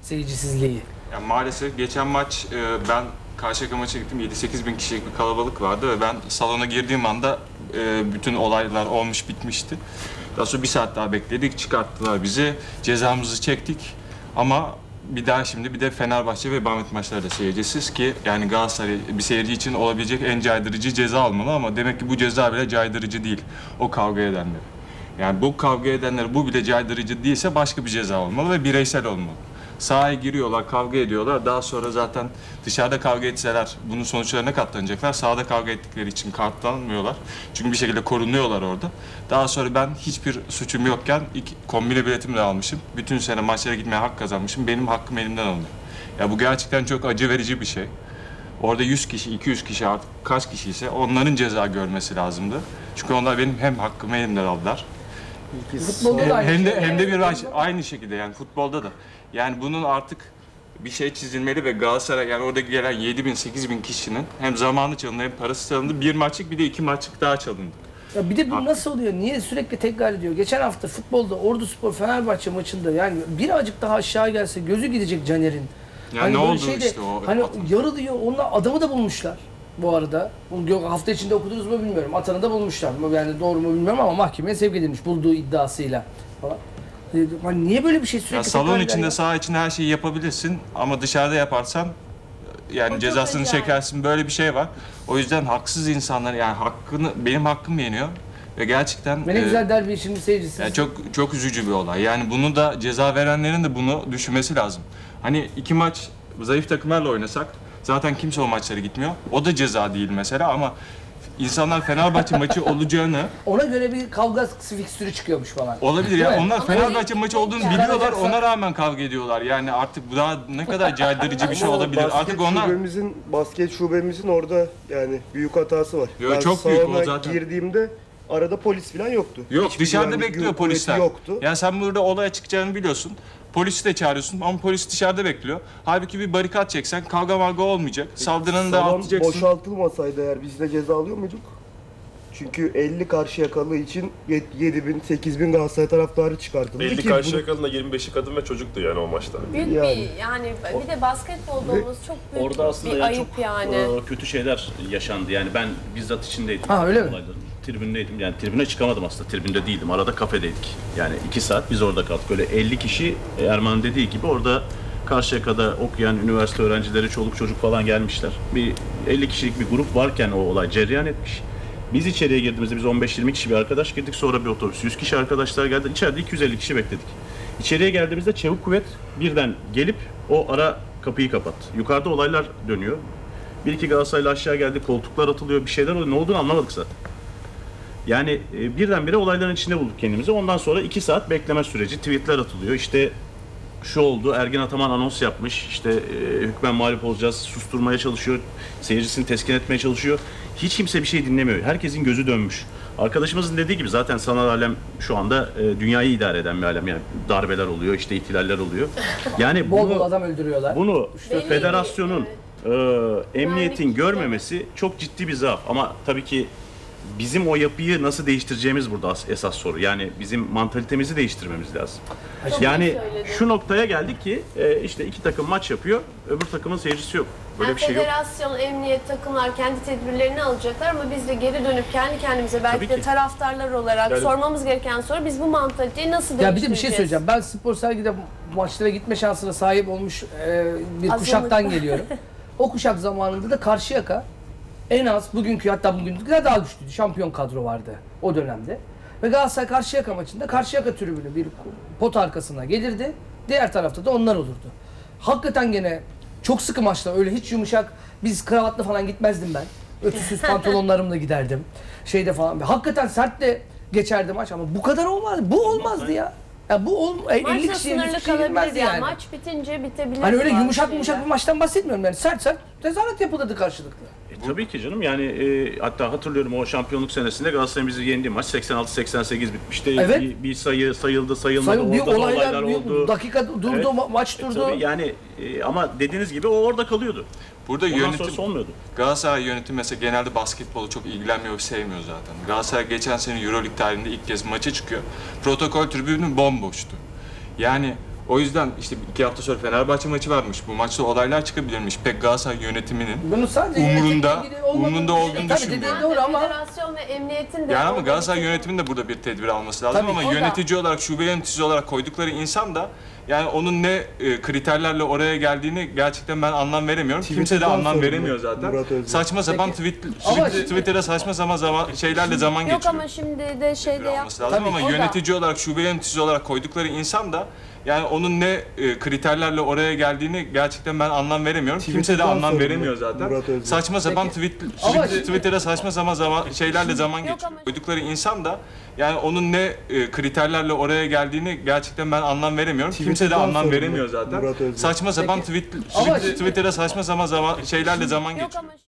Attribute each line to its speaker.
Speaker 1: seyircisizliği.
Speaker 2: Yani maalesef geçen maç ben Karşıyaka maça gittim. 7-8 bin kişilik bir kalabalık vardı ve ben salona girdiğim anda bütün olaylar olmuş bitmişti. Daha sonra bir saat daha bekledik, çıkarttılar bizi. Cezamızı çektik ama bir daha şimdi bir de Fenerbahçe ve Bahmet maçları da seyircisiz ki yani Galatasaray bir seyirci için olabilecek en caydırıcı ceza almalı ama demek ki bu ceza bile caydırıcı değil o kavga edenler. Yani bu kavga edenler bu bile caydırıcı değilse başka bir ceza olmalı ve bireysel olmalı. Sahaya giriyorlar, kavga ediyorlar. Daha sonra zaten dışarıda kavga etseler bunun sonuçlarına katlanacaklar. Sahada kavga ettikleri için katlanmıyorlar. Çünkü bir şekilde korunuyorlar orada. Daha sonra ben hiçbir suçum yokken kombine biletimi de almışım. Bütün sene maçlara gitmeye hak kazanmışım. Benim hakkım elimden alınıyor. Ya bu gerçekten çok acı verici bir şey. Orada 100 kişi, 200 kişi artık kaç kişi ise onların ceza görmesi lazımdı. Çünkü onlar benim hem hakkımı elimden aldılar.
Speaker 1: Futbolda da aynı
Speaker 2: Hem
Speaker 1: şey.
Speaker 2: de hem de bir aynı şekilde yani futbolda da. Yani bunun artık bir şey çizilmeli ve Galatasaray yani orada gelen 7 bin 8 bin kişinin hem zamanı çalındı hem parası çalındı. Bir maçlık bir de 2 maçlık daha çalındı.
Speaker 1: Ya bir de bu nasıl oluyor? Niye sürekli tekrar ediyor? Geçen hafta futbolda Orduspor Fenerbahçe maçında yani birazcık daha aşağı gelse gözü gidecek Caner'in.
Speaker 2: Ya
Speaker 1: hani
Speaker 2: ne
Speaker 1: böyle
Speaker 2: oldu
Speaker 1: şeyde,
Speaker 2: işte o
Speaker 1: hani
Speaker 2: atın.
Speaker 1: yarı diyor onlar adamı da bulmuşlar bu arada. Bunu hafta içinde okudunuz mu bilmiyorum. Atanı da bulmuşlar. Yani doğru mu bilmiyorum ama mahkemeye sevk edilmiş bulduğu iddiasıyla falan. Hani niye böyle bir şey sürekli
Speaker 2: Ya salon içinde,
Speaker 1: ya?
Speaker 2: saha içinde her şeyi yapabilirsin ama dışarıda yaparsan yani cezasını çekersin. Böyle bir şey var. O yüzden haksız insanlar yani benim hakkım yeniyor ve gerçekten
Speaker 1: Ne güzel derbi şimdi seyircisiz.
Speaker 2: yani çok üzücü bir olay. Yani bunu da ceza verenlerin de bunu düşünmesi lazım. Hani 2 maç zayıf takımlarla oynasak zaten kimse o maçlara gitmiyor. O da ceza değil mesela ama İnsanlar Fenerbahçe maçı olacağını
Speaker 1: ona göre bir kavga fikstürü çıkıyormuş falan.
Speaker 2: olabilir ya. Onlar
Speaker 3: Ama
Speaker 2: Fenerbahçe maçı olduğunu biliyorlar.
Speaker 1: Kazanacaksa-
Speaker 2: Ona rağmen kavga ediyorlar. Yani artık bu daha ne kadar caydırıcı bir şey
Speaker 4: Ama
Speaker 2: olabilir. Artık onlar
Speaker 4: basket şubemizin orada yani büyük hatası var.
Speaker 2: Yo,
Speaker 4: Ben
Speaker 2: çok büyük o
Speaker 4: salona
Speaker 2: zaten.
Speaker 4: girdiğimde arada polis falan yoktu.
Speaker 2: yok
Speaker 4: Hiçbir
Speaker 2: dışarıda
Speaker 4: güvenlik
Speaker 2: bekliyor
Speaker 4: kuvveti
Speaker 2: polisler.
Speaker 4: Yoktu.
Speaker 2: Yani sen burada olaya çıkacağını biliyorsun. Polisi de çağırıyorsun ama polis dışarıda bekliyor. Halbuki bir barikat çeksen kavga marga olmayacak. Saldıranı da
Speaker 4: Salon
Speaker 2: atacaksın.
Speaker 4: boşaltılmasaydı eğer biz de ceza alıyor muyduk? Çünkü 50 Karşıyakalı için 7 bin, 8 bin Galatasaray taraftarı çıkartıldı.
Speaker 5: Belli
Speaker 4: ki
Speaker 5: Karşıyakalı'nın da 25'i kadın ve çocuktu yani o maçta.
Speaker 3: Büyük
Speaker 4: Yani.
Speaker 3: yani bir de basketbolda olması çok büyük
Speaker 6: Orada aslında
Speaker 3: bir
Speaker 6: yani
Speaker 3: ayıp
Speaker 6: çok
Speaker 3: yani.
Speaker 6: kötü şeyler yaşandı. Yani ben bizzat içindeydim.
Speaker 1: Ha, öyle mi?
Speaker 6: Olayların. Tribündeydim. Yani tribüne çıkamadım aslında. Tribünde değildim. Arada kafedeydik. Yani 2 saat biz orada kaldık. Böyle 50 kişi Erman'ın dediği gibi orada Karşıyaka'da okuyan üniversite öğrencileri, çoluk çocuk falan gelmişler. Bir 50 kişilik bir grup varken o olay cereyan etmiş. Biz içeriye girdiğimizde biz 15-20 kişi bir arkadaş girdik. Sonra bir otobüs 100 kişi arkadaşlar geldi. İçeride 250 kişi bekledik. İçeriye geldiğimizde çevik kuvvet birden gelip o ara kapıyı kapattı. Yukarıda olaylar dönüyor. Bir iki Galatasaraylı aşağı geldi, koltuklar atılıyor, bir şeyler oluyor. Ne olduğunu anlamadık zaten. Yani birdenbire olayların içinde bulduk kendimizi. Ondan sonra 2 saat bekleme süreci, tweetler atılıyor. İşte şu oldu, Ergin Ataman anons yapmış. İşte hükmen mağlup olacağız, susturmaya çalışıyor, seyircisini teskin etmeye çalışıyor. Hiç kimse bir şey dinlemiyor. Herkesin gözü dönmüş. Arkadaşımızın dediği gibi zaten sanal alem şu anda dünyayı idare eden bir alem. Yani darbeler oluyor, işte ihtilaller oluyor. Yani
Speaker 1: Bol bol adam öldürüyorlar.
Speaker 6: bunu
Speaker 3: Belliydi,
Speaker 6: federasyonun, emniyetin görmemesi çok ciddi bir zaaf. Ama tabii ki bizim o yapıyı nasıl değiştireceğimiz burada esas soru. Yani bizim mantalitemizi değiştirmemiz lazım.
Speaker 3: Çok
Speaker 6: Yani
Speaker 3: iyi söyledin.
Speaker 6: şu noktaya geldik ki işte 2 takım maç yapıyor, öbür takımın seyircisi yok. Böyle
Speaker 3: Yani
Speaker 6: bir şey yok.
Speaker 3: federasyon, emniyet, takımlar kendi tedbirlerini alacaklar ama biz de geri dönüp kendi kendimize belki
Speaker 6: Tabii
Speaker 3: de
Speaker 6: ki.
Speaker 3: taraftarlar olarak
Speaker 5: Yani-
Speaker 3: sormamız gereken soru biz bu mantaliteyi nasıl
Speaker 1: Ya bir
Speaker 3: değiştireceğiz?
Speaker 1: de bir şey söyleyeceğim. Ben spor sergide maçlara gitme şansına sahip olmuş bir
Speaker 3: Azınlık.
Speaker 1: kuşaktan geliyorum. O kuşak zamanında da Karşıyaka en az bugünkü hatta bugünkü daha güçlüydü. Şampiyon kadro vardı o dönemde. Ve Galatasaray Karşıyaka maçında Karşıyaka tribünü bir pot arkasına gelirdi. Diğer tarafta da onlar olurdu. Hakikaten gene çok sıkı maçlar öyle hiç yumuşak biz kravatla falan gitmezdim ben. Ötüsüz pantolonlarımla giderdim. Şeyde falan. Hakikaten sert de geçerdi maç ama bu kadar olmazdı. Bu olmazdı ya. Ya bu 50
Speaker 3: Maçla
Speaker 1: kişiye
Speaker 3: sınırlı
Speaker 1: 100 kişiye girmezdi
Speaker 3: kalabilir yani.
Speaker 1: yani.
Speaker 3: Maç bitince bitebilir.
Speaker 1: Hani öyle
Speaker 3: bazı
Speaker 1: yumuşak
Speaker 3: şeyler.
Speaker 1: bir maçtan bahsetmiyorum yani. Sert tezahürat yapılırdı karşılıklı.
Speaker 6: Tabii ki canım yani hatta hatırlıyorum o şampiyonluk senesinde Galatasaray'ın bizi yendiği maç 86-88 bitmişti.
Speaker 1: Evet.
Speaker 6: Bir sayı sayıldı sayılmadı
Speaker 1: Sayın bir
Speaker 6: orada da
Speaker 1: olaylar,
Speaker 6: oldu.
Speaker 1: dakika durdu,
Speaker 6: Evet.
Speaker 1: maç durdu.
Speaker 6: Tabii yani ama dediğiniz gibi o orada kalıyordu.
Speaker 2: Burada
Speaker 6: Ondan
Speaker 2: yönetim
Speaker 6: sonrası olmuyordu.
Speaker 2: Galatasaray yönetimi mesela genelde basketbolu çok ilgilenmiyor ve sevmiyor zaten. Galatasaray geçen sene EuroLeague tarihinde ilk kez maça çıkıyor. Protokol tribünü bomboştu. Yani O yüzden işte 2 hafta sonra Fenerbahçe maçı varmış. Bu maçta olaylar çıkabilirmiş. Pek Galatasaray yönetiminin
Speaker 1: Bunu sadece
Speaker 2: umrunda olduğunu
Speaker 1: Tabii
Speaker 2: düşünmüyorum.
Speaker 1: dediğin doğru ama
Speaker 3: Federasyon ve emniyetin de...
Speaker 2: Yani ama
Speaker 3: orada
Speaker 2: Galatasaray
Speaker 3: bir-
Speaker 2: yönetiminin de burada bir tedbir alması lazım
Speaker 1: Tabii,
Speaker 2: ama
Speaker 1: o da-
Speaker 2: yönetici olarak, şube yöneticisi olarak koydukları insan da yani onun ne kriterlerle oraya geldiğini gerçekten ben anlam veremiyorum. Kimse de
Speaker 4: Twitter'dan
Speaker 2: anlam
Speaker 4: sorumlu
Speaker 2: veremiyor zaten.
Speaker 4: Murat Özbek.
Speaker 2: Saçma sapan
Speaker 1: Ama şimdi-
Speaker 2: Twitter'da saçma sapan şeylerle zaman
Speaker 3: Yok
Speaker 2: geçiriyor.
Speaker 3: ama şimdi de şeyde yap...
Speaker 2: Alması lazım
Speaker 1: Tabii,
Speaker 2: ama
Speaker 3: o da-
Speaker 2: yönetici olarak, şube yöneticisi olarak koydukları insan da yani onun ne kriterlerle oraya geldiğini gerçekten ben anlam veremiyorum. Kimse de
Speaker 4: Twitter'dan
Speaker 2: anlam
Speaker 4: sorumlu
Speaker 2: veremiyor zaten.
Speaker 4: Murat Özbek.
Speaker 2: Saçma sapan
Speaker 1: Ama şimdi-
Speaker 2: Twitter'da saçma sapan şeylerle zaman
Speaker 3: Yok
Speaker 2: geçiriyor.
Speaker 3: ama-
Speaker 2: Koydukları insan da yani onun ne kriterlerle oraya geldiğini gerçekten ben anlam veremiyorum. Kimse de
Speaker 4: Twitter'dan
Speaker 2: anlam
Speaker 4: sorumlu
Speaker 2: veremiyor zaten.
Speaker 4: Murat Özbek.
Speaker 2: Saçma sapan
Speaker 1: Ama şimdi-
Speaker 2: Twitter'da saçma sapan şeylerle zaman
Speaker 3: Yok
Speaker 2: geçiriyor.
Speaker 3: ama...